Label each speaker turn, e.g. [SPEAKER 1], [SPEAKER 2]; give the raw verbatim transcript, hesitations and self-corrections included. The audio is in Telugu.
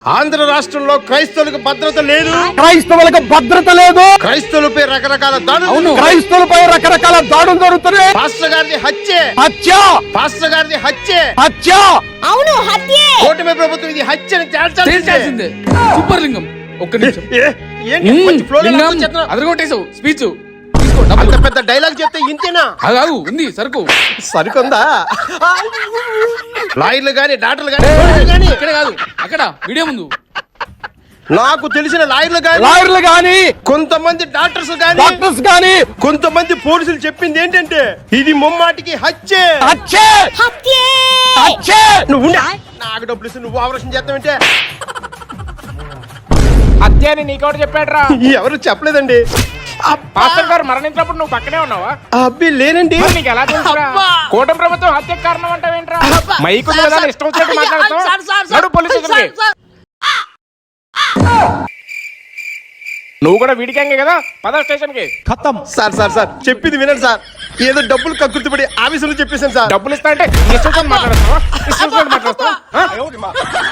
[SPEAKER 1] ఆంధ్ర రాష్ట్రంలో క్రైస్తవులకు భద్రత లేదు,
[SPEAKER 2] క్రైస్తవులకు భద్రత లేదు,
[SPEAKER 1] క్రైస్తవులపై రకరకాల దాడులు,
[SPEAKER 2] క్రైస్తవులపై రకరకాల దాడులు జరుగుతున్నాయి.
[SPEAKER 1] పాస్టర్ గారిని హత్య
[SPEAKER 2] హత్య
[SPEAKER 1] పాస్టర్ గారిని హత్య
[SPEAKER 2] హత్య
[SPEAKER 3] అవును హత్యే.
[SPEAKER 1] కూటమి ప్రభుత్వం ఇది హత్యని
[SPEAKER 4] తేల్చాల్సిందే. సూపర్ లింగం ఒక్క నిమిషం. అదరగొట్టేసావు స్పీచ్.
[SPEAKER 1] అంత పెద్ద డైలాగ్ చెప్తే ఇంతేనా?
[SPEAKER 4] అదాగు ఉంది సరుకు
[SPEAKER 1] సరికొందా? లాయర్లు గాని డాక్టర్లు గాని గాని
[SPEAKER 4] ఇక్కడ కాదు అక్కడ వీడియో ముందు
[SPEAKER 1] నాకు తెలిసిన లాయర్లు గాని
[SPEAKER 2] లాయర్లు గాని
[SPEAKER 1] కొంతమంది డాక్టర్స్ గాని
[SPEAKER 2] డాక్టర్స్ గాని
[SPEAKER 1] కొంతమంది పోలీసులు చెప్పింది ఏంటంటే ఇది ముమ్మాటికి హత్య
[SPEAKER 2] హత్య
[SPEAKER 3] హత్యే.
[SPEAKER 2] హత్య.
[SPEAKER 1] నువ్వు ఉండే. నాకు డబ్బులు ఇస్తే నువ్వు ఆపరేషన్ చేస్తావంటే
[SPEAKER 5] హత్య అని నీకెవరు చెప్పాడురా?
[SPEAKER 1] ఎవరు చెప్పలేదండి.
[SPEAKER 5] పాస్టర్ గారు మరణించినప్పుడు నువ్వు పక్కనే ఉన్నావా?
[SPEAKER 1] అబ్బి లేనండి.
[SPEAKER 5] మరి నీకు ఎలా తెలుసురా? కూటమి ప్రభుత్వం హత్యకు కారణం అంటావేంట్రా? మైకు ఉంది కదా, ఇష్టం వచ్చినట్టు మాట్లాడుతావు. నడు పోలీస్ స్టేషన్కి. నువ్వు కూడా వీడికంగే కదా, పద స్టేషన్ కి.
[SPEAKER 1] సార్ సార్ సార్ చెప్పింది వినండి సార్. ఏదో డబ్బులు కక్కుర్తిపడి ఆఫీసులో చెప్పేశాను సార్.
[SPEAKER 5] డబ్బులు ఇస్తా అంటే ఇష్టం మాట్లాడతావా? ఇష్టం మాట్లాడతావా?